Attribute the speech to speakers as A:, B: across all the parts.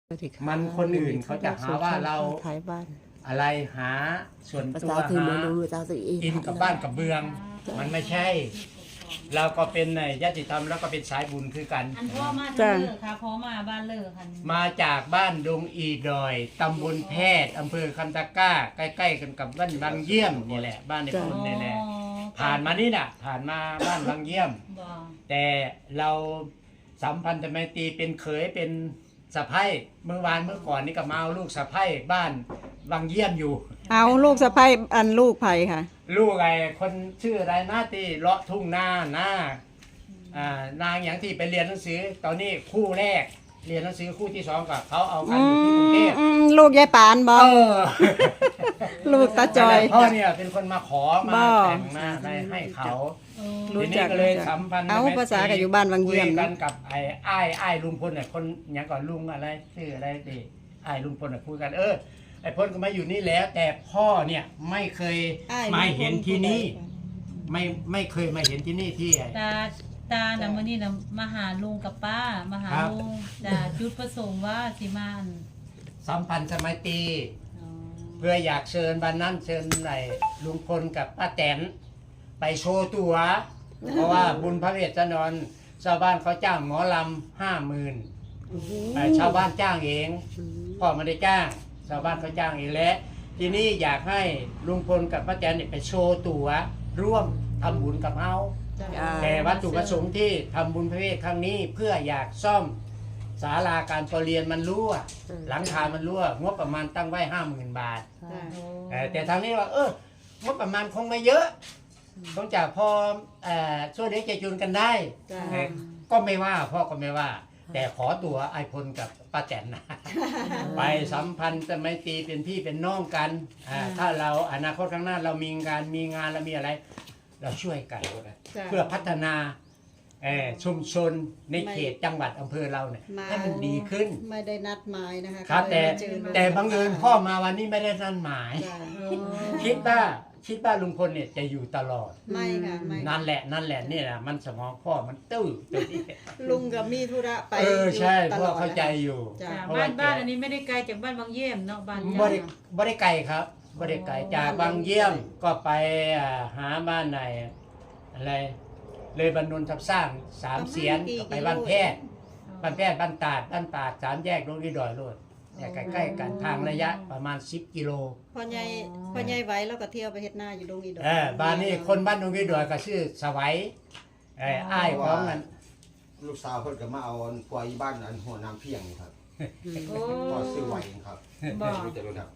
A: มันคนอื่นเขาจะหาว่าเราอะไรหาส่วนตัวหาอินกับบ้านกับเมือง มันไม่ใช่ เราก็เป็นญาติธรรมแล้วก็เป็นสายบุญคือกัน
B: อันพ่อมาจากเลิกค่ะพ่อมาบ้านเลิกค่ะ
A: มาจากบ้านดงอีดอยตำบลแพทย์อำเภอคำตะกร้าใกล้ๆกันกับบ้านบางเยี่ยมนี่แหละบ้านในพุ่นนี่แหละผ่านมานี่น่ะผ่านมาบ้านบางเยี่ยมแต่เราสัมพันธไมตรีเป็นเขยเป็นสะใภ้เมื่อก่อนนี่ก็มาเอาลูกสะใภ้บ้านบางเยี่ยมอยู่
C: เอาลูกสะใภ้อันลูกไผ่ค่ะ
A: ลูกไอ้คนชื่ออะไรนะที่เลาะทุ่งนานางอย่างที่ไปเรียนหนังสือตอนนี้คู่แรกเรียนหนังสือคู่ที่2กับเขาเอากันอยู่ที่กรุงเทพ
C: ลูกยายปานบ่ลูกตาจอย
A: พ่อเนี่ยเป็นคนมาขอมาแต่งมาให้เขาทีนี้ก็เลยสัมพันธ์
C: เอาภาษากับอยู่บ้านบางเยี่ยม
A: กันกับไอ้ลุงพลเนี่ยคนอย่างก่อนลุงอะไรชื่ออะไรดิไอ้ลุงพลเนี่ยคุยกันไอ้พลก็มาอยู่นี่แล้วแต่พ่อเนี่ยไม่เคยมาเห็นที่นี่ไม่เคยมาเห็นที่นี่ที่
B: ตาน่ะมื้อนี้น่ะมาหาลุงกับป้ามาหาลุงจ้ะจุดประสงค์ว่าสิมา
A: สัมพันธ์สมัยตีเพื่ออยากเชิญวันนั้นเชิญไหนลุงพลกับป้าแตนไปโชว์ตัวเพราะว่าบุญพระเวทจะนอนชาวบ้านเขาจ้างหมอลำ50,000ชาวบ้านจ้างเองพ่อไม่ได้จ้างชาวบ้านเขาจ้างเองและทีนี้อยากให้ลุงพลกับป้าแตนไปโชว์ตัวร่วมทำบุญกับเขาแต่วัตถุประสงค์ที่ทำบุญพระเวทครั้งนี้เพื่ออยากซ่อมศาลาการประเรียนมันรั่วหลังคามันรั่วงบประมาณตั้งไว้ 50,000 บาทแต่ทางนี้ว่างบประมาณคงไม่เยอะต้องจากพอช่วยเลี้ยงใจจุนกันได้ก็ไม่ว่าพ่อก็ไม่ว่าแต่ขอตัวไอพลกับป้าแตนนะไปสัมพันธ์จะไม่ตีเป็นพี่เป็นน้องกันถ้าเราอนาคตข้างหน้าเรามีงานเรามีอะไรเราช่วยกันเพื่อพัฒนาชุมชนในเขตจังหวัดอำเภอเราเนี่ยให้มันดีขึ้น
C: ไม่ได้นัดหมายนะคะ
A: ครับแต่บังเอิญพ่อมาวันนี้ไม่ได้นัดหมายคิดว่าลุงพลเนี่ยจะอยู่ตลอด
C: ไม่ค่ะไม่
A: นั่นแหละนี่แหละมันสมองพ่อมันตื้อตัวนี้
C: ลุงกับมีธุระไป
A: ใช่พ่อเข้าใจอยู่
B: บ้านอันนี้ไม่ได้ไกลจากบ้านบางเยี่ยมเนาะบ้าน
A: บ่ได้ไกลครับบ่ได้ไกลจากบางเยี่ยมก็ไปหาบ้านไหนอะไรเลยบรรนุนทับสร้าง3 เสียนไปบ้านแพทย์บ้านตาด3 แยกลงที่ดอยโลดใกล้ๆกันทางระยะประมาณ10 กิโล
C: พ่อใหญ่ไว้แล้วก็เที่ยวไปเฮ็ดนาอยู่ดงอีดอย
A: บ้านนี้คนบ้านดงอีดอยก็ชื่อสวัยอ้ายของนั้น
D: ลูกสาวเพิ่นก็มาเอาปล่อยบ้านอันหัวน้ำเพียงครับก็ซื้อไหวครับบ่จะรู้ครับ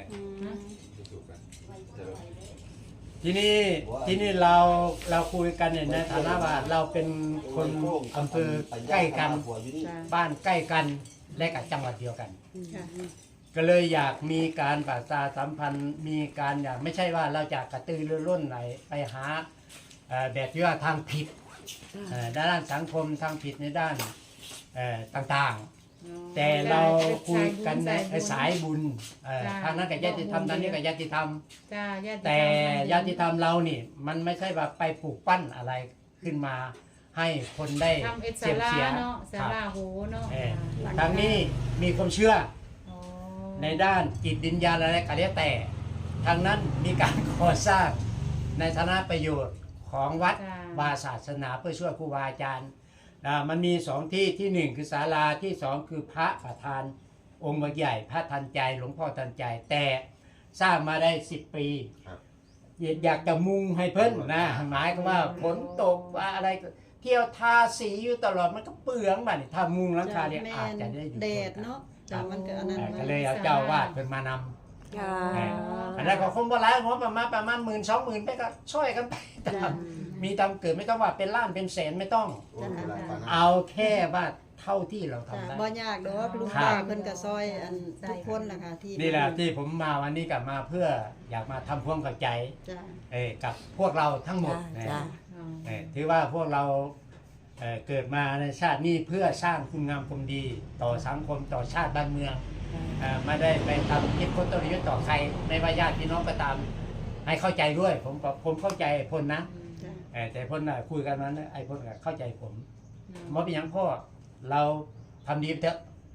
A: ที่นี่เราคุยกันเนี่ยในฐานะว่าเราเป็นคนอำเภอใกล้กันบ้านใกล้กันและกับจังหวัดเดียวกันก็เลยอยากมีการประชาสัมพันธ์มีการอยากไม่ใช่ว่าเราจะกระตือรือร้นไหนไปหาแบบที่ว่าทางผิดด้านสังคมทางผิดในด้านต่างๆแต่เราคุยกันในสายบุญทางนั้นกับญาติธรรมทางนี้กับญาติธรรมแต่ญาติธรรมเรานี่มันไม่ใช่ว่าไปปลูกปั้นอะไรขึ้นมาให้คนได้
B: เสียเสียสาราโหเนาะ
A: ทางนี้มีความเชื่อในด้านจิตวิญญาณอะไรก็แล้วแต่ทางนั้นมีการก่อสร้างในฐานะประโยชน์ของวัดวาศาสนาเพื่อช่วยครูบาอาจารย์มันมี2 ที่ที่ 1คือศาลาที่2คือพระประธานองค์ใหญ่พระทันใจหลวงพ่อทันใจแต่สร้างมาได้10 ปีอยากจะมุงให้เพิ่นนะหมายก็ว่าฝนตกว่าอะไรเที่ยวทาสีอยู่ตลอดมันก็เปลืองบัดนี้ถ้ามุงหลังคาเนี่ยอาจจะได้อยู่
C: แดดเนาะมันก็อันนั้น
A: ก็เลยเอาเจ้าวาดเพิ่นมานำอันนั้นก็คงบ่หลายงบประมาณ 10,000-20,000ไปก็ช่วยกันไปมีตามเกิดไม่ต้องว่าเป็นล้านเป็นแสนไม่ต้องเอาแค่ว่าเท่าที่เราทำได้
C: บ่ยากดอกลุงป้าเพิ่นก็ซอยอันทุกคนนะคะที่
A: นี่แหละที่ผมมาวันนี้กลับมาเพื่ออยากมาทำความเข้าใจกับพวกเราทั้งหมดถือว่าพวกเราเกิดมาในชาตินี้เพื่อสร้างคุณงามความดีต่อสังคมต่อชาติบ้านเมืองไม่ได้ไปทำคิดค้นต้นยุทธต่อใครในว่าญาติพี่น้องก็ตามให้เข้าใจด้วยผมเข้าใจพลนะแต่พลคุยกันนั้นไอ้พลเข้าใจผมมอเป็นอย่างพ่อเราทำดีเถอะ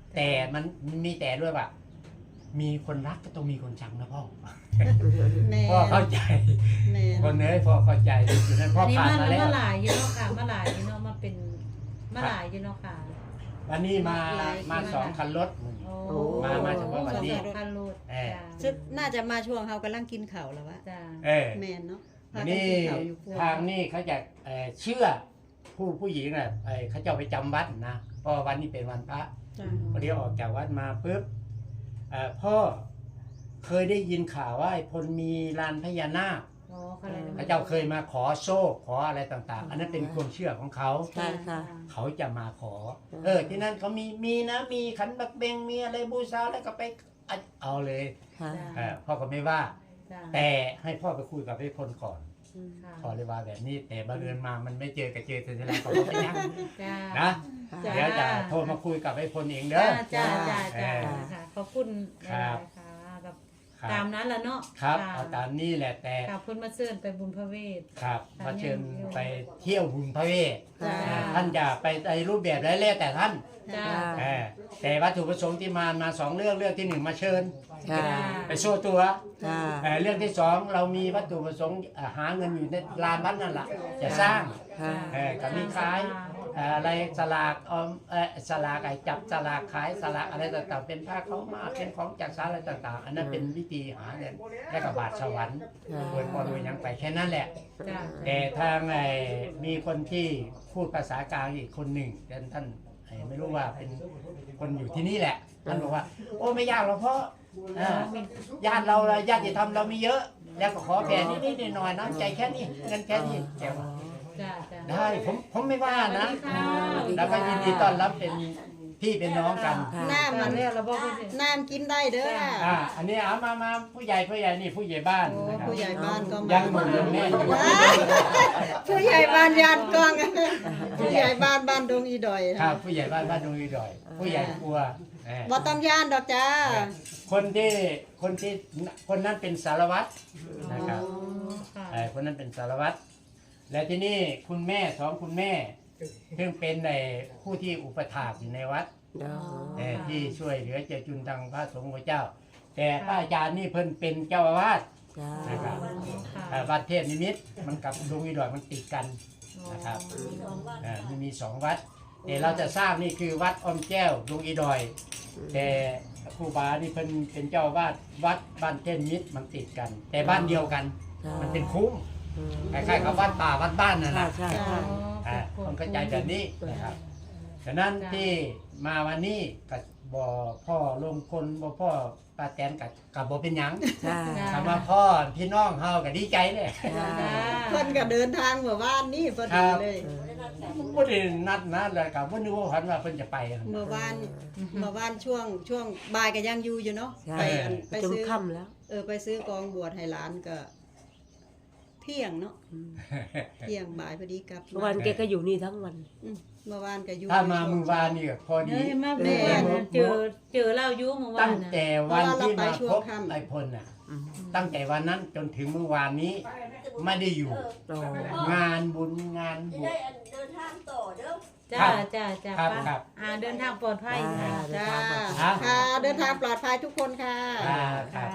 A: แต่มันมีแต่ด้วยว่ามีคนรักก็ต้องมีคนชังนะพ่อ
C: แม่
A: พ่อเข้าใจ
C: แม่
A: คนเนื้อพ่อเข้าใจอยู่นั้นพ่อ
B: อันนี้
A: ผ่านมาแล้ว
B: มาหลายอยู่เนาะค่ะมาหลายอยู่เนาะมาเป็นมาหลายอยู่เนาะค่ะ
A: วันนี้มา2 คันรถ
B: โอ้
A: มาเฉพาะวันนี้
B: สองคันรถ
A: เออ
B: จ้า
C: น่าจะมาช่วงเฮากำลังกินข้าวแล้ววะ
B: จ้า
A: เออ
C: แม่นเนาะพา
A: วัน
C: กัน
A: นี้
C: กินข้าวอยู่ครัว
A: ทางนี่เขาจะเชื่อผู้หญิงน่ะเขาจะเอาไปจำวัดนะเพราะวันนี้เป็นวันพระ
C: จ้ะ
A: พอดีออกจากวัดมาปุ๊บพ่อเคยได้ยินข่าวว่าไอ้พลมีลานพญานาค
B: อ๋ออะไรนะ
A: พระเจ้าเคยมาขอโชคขออะไรต่างๆ อันนั้นเป็นความเชื่อของเขา
C: ค่ะค่ะ
A: เขาจะมาขอ ที่นั่นเขามีนะมีขันบักเบงมีอะไรบูชาแล้วก็ไปเอาเลย
C: ค่ะ
A: พ่อก็ไม่ว่า
B: จ้า
A: แต่ให้พ่อไปคุยกับไอ้พลก่อน
B: ค่ะ
A: พอเลยว่าแบบนี้แต่บังเอิญมามันไม่เจอกับเจอแต่แล้วก็ไม่ยัง
B: จ้า
A: นะ
B: จ้า
A: เดี๋ยวจะโทรมาคุยกับไอ้พลเองเด้
B: จ้า
A: อ
B: จ้าจ้าจ้าค่ะขอบคุณห
A: ครั
B: ลาย
A: บ
B: ๆค่ะกับ
A: ครับ
B: ตามนั้นแหละเนาะ
A: ครับ
B: ะ
A: เอาตามนี้แหละแต่
B: ขอบคุณมาเชิญไปบุญพระเวท
A: ครับมาเชิญไปเที่ยวบุญพระเวท
B: จ้า
A: ท่านจะไปในรูปแบบไรแล้วแต่ท่าน
B: จ้า
A: แต่วัตถุประสงค์ที่มา2 เรื่องที่ 1 มาเชิญ
C: ค่ะ
A: ไปโชว์ตัว
C: จ้า
A: เรื่องที่ 2 เรามีวัตถุประสงค์หาเงินอยู่ในลานวัดนั่นแหละจะสร้าง
C: ค่ะ
A: ก็มีขายอะไรสลากสลากจับสลากขายสลากอะไรต่างๆเป็นผ้าเขาวมาเป็นของจากสารอะไรต่างๆ อันนั้นเป็นวิธีหาเงินและกับบาทสวรรค์โดยพอโดยยังไปแค่นั้นแหละ
B: จ้า
A: แต่ทางมีคนที่พูดภาษากลางอีกคนหนึ่งท่านไม่รู้ว่าเป็นคนอยู่ที่นี่แหละท่านบอกว่าโอ้ไม่ยากหรอกเพราะญาติเราญาติธรรมเรามีเยอะ แล้วก็ขอแผ่นิดๆหน่อยๆน้ำใจแค่นี้เงินแค่นี้แกว่า
B: จ้าจ้า
A: ได้ผมไม่ว่านะ
B: สวัสดีค่ะ
A: แล้วก็ยินดีต้อนรับเป็นพี่เป็นน้องกัน
C: น้ำมัน
B: เรียกเราบอกพี่สิ
C: น้ำกินได้เด้อ
A: อันนี้เอามาผู้ใหญ่นี่ผู้ใหญ่บ้าน
C: โอ้
A: นะครับ
C: ผู้ใหญ่บ้านก็มา
A: ยังหนุ่มยังแน่นอยู่
C: ผู้ใหญ่บ้านยานกองผู้ใหญ่บ้านบ้านดงอีดอย
A: ครับผู้ใหญ่บ้านดงอีดอย ผู้ใหญ่กลัว
C: บ่ต้องย่านดอกจ้า
A: คนนั้นเป็นสารวัตรนะครับ
B: ค่ะ
A: คนนั้นเป็นสารวัตรและที่นี่คุณแม่คุณแม่ซึ่งเป็นผู้ที่อุปถากอยู่ในวัดที่ช่วยเหลือเจจุนทางพระสงฆ์พระเจ้า แต่พระอาจารย์นี่เพิ่นเป็นเจ้าอาวาสนะครับวัดเทพนิมิตรมันกับดงอีดอยมันติดกันนะครับมันมี2 วัดแต่เราจะสร้างนี่คือวัดอ้อมแก้วดงอีดอย แต่ครูบานี่เพิ่นเป็นเจ้าอาวาสวัดบ้านเทพนิมิตรมันติดกัน แต่บ้านเดียวกัน มันเป็นคุ้มคล้ายๆกับวัดป่าวัดบ้านนั่นแหละ
C: ใช่ใช่
A: ต้องเข้าใจแบบนี้นะครับฉะนั้นที่มาวันนี้กับบ่พ่อลงพลบ่พ่อป้าแตนกับบ่เป็นหยัง
C: จ้า
A: คำว่าพ่อพี่น้องเฮาก็ดีใจเลย
C: เพิ่นก็เดินทางเมื่อวานนี้พอดีเลย
A: บ่ได้นัดนะแล้วก็บ่นึกว่าพันว่าเพิ่นจะไป
C: เมื่อวานช่วงบ่ายก็ยังอยู่อยู่เนาะไป
E: จน
C: ซื้อ
E: ค่ำแล้ว
C: ไปซื้อกองบวชให้หลานก็เที่ยงเนาะเที่ยงบ่ายพอดีกลับ
E: เมื่อวานแกก็อยู่นี่ทั้งวัน
C: เมื่อวานก็อยู่
A: ถ้ามามื้อวานนี่ก็พอ
B: เน
A: ดี
B: ยมาเมื่อวานเจอเล่ายุ่งเมื่อวา
A: ตั้
B: น
A: ง
B: น่ะ
A: แต่วันที่มาพบไอ้พลน่ะตั้งแต่วันนั้นจนถึงเมื่อวานนี้ไม่ได้อยู่ งานบุญงานบุญ
F: เดินทางต่อเด้อ
B: จ้าจ้าจ้า
A: ครับ
B: ป้า
A: ครับ
B: เดินทางปลอดภัยค่ะ
C: จ้า
A: ครับ
C: ค่ะเดินทางปลอดภัยทุกคนค่ะ
A: ครับ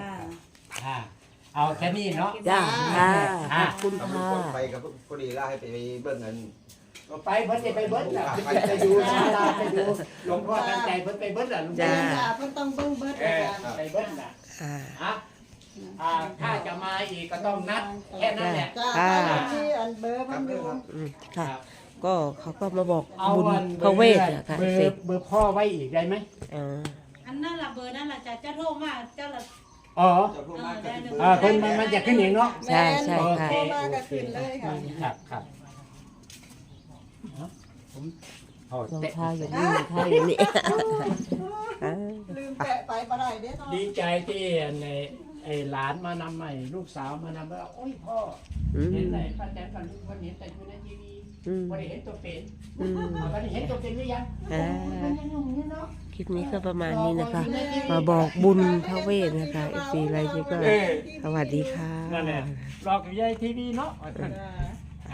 A: เอาแค่นี้เนาะ
E: จ้าค่ะ
A: อ่า
E: ขอบคุณ
D: ถ้ามี
E: ค่ะ
D: คนไปกับพอดีล่าให้ไปเบิ่งเงิน
A: ไปเพิ่นจะไปเบิ้ลน่ะไปดูศาลาไปดูหลวงพ่อตั้งใจเพิ่นไปเบิ้ลน่ะลุง
C: จ้า
A: พ่อ
C: เพิ่นต้องเบิ่งเบิด
A: เอ
C: อา
A: อ
C: จารย์
A: ไปเบิ้ลน่ะถ้าจะมาอีกก็ต้องนัดแค่นั้นแหละ
C: จ้าที่อันเบอร์เพิ่นอยู่
E: ค่ะ ก็เขาก็มาบอก
A: เอา
E: บุญ
A: วัน
E: พระเวทอะค่ะ
A: เบอ
E: เสร็จ
A: ร์พ่อไว้อีกได้ไหม
B: อันนั้นล่ะเบอร์นั่นล่ะจะโทรมาเจ้าละ
A: อ๋อ
D: จะพูดมากก็คือ
A: เพิ่นมันจะขึ้นเองเนาะ
E: ใช่ใช่ค่ะ
C: โทรมาก็ขึ้นเลยค่ะ
A: ครับผมโอ้
E: รอง
A: เตะ
E: เท้าอยู่นี่รองเท้าอยู่นี่
C: ลืมแปะไปบ่ได้เด้เนาะ
A: ดีใจที่ไอ้หลานมานำใหม่ลูกสาวมานำว่าโอ้ยพ่อ
E: อืม
A: เห็นไหนป้าแตนกับลุงคนเห็นแต่อยู่ในทีวี
E: อืม
A: วันนี้เห็นตัวเป็น
E: อืม
A: วันนี้เห็นตัวเป็นหรือยัง
E: อ่า
A: มันยังหนุ่มอยู่เนาะ
E: คลิปนี้ก็ประมาณนี้นะคะ มาบอกบุญพระเวทนะคะเอฟซีอะไรนี่ก็สวัสดีค่ะ
A: นั่นแหละรอกอยู่ในทีวีเนาะ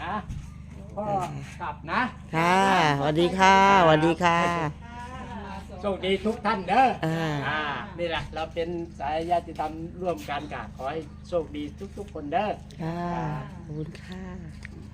A: พ่อกลับนะ
E: ค่ะสวัสดีค่ะสวัสดีค่ะ
C: มาส
A: โชคดีทุกท่านเด้อ
E: อ่า
A: นี่แหละเราเป็นสายญาติธรรมร่วมกันกะขอให้โชคดีทุกๆคนเด้อ
E: ค่ะขอบคุณค่ะ